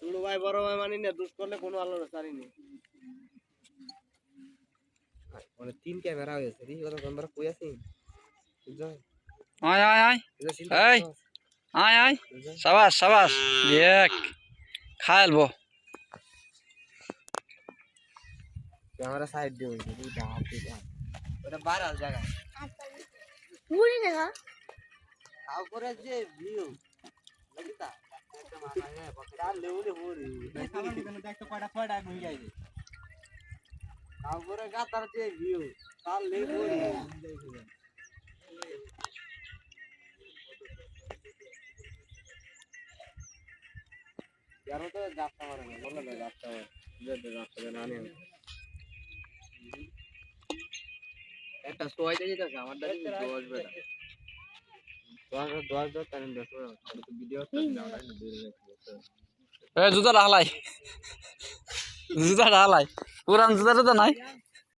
ছোট ভাই বড় ভাই মানি না, দুষ করলে কোনো আলো ছাড়িনি। মানে 3 ক্যামেরা হয়েছে রে, ওরা আমরা কই আছি বুঝছো? আয় আয় আয় এই আয় আয় সাবাস সাবাস দেখ খাইলবো ক্যামেরা সাইড দিয়ে হইছে দুইটা হাত দিয়ে। ওটা বারাল জায়গা পুরি দেখা তাও করে যে ভিউ লাগিতা একটা মাথা হ্যাঁ চাল লেউলে পুরি সালাম কেন দেখতো কয়টা হয়ে যাইছে। তাও করে গাতার যে ভিউ চাল লে পুরি यारो तो जाता मारेंगे बोला ना जाता है যেতে যাচ্ছে না আনে একটা সোয়াই দিয়ে দিতেছে আমার দাদি 10 বেটা 10 তারিখ 10 তো ভিডিও তো না দূরে রাখছে এ জুতা হালাই পুরান জুতা নাই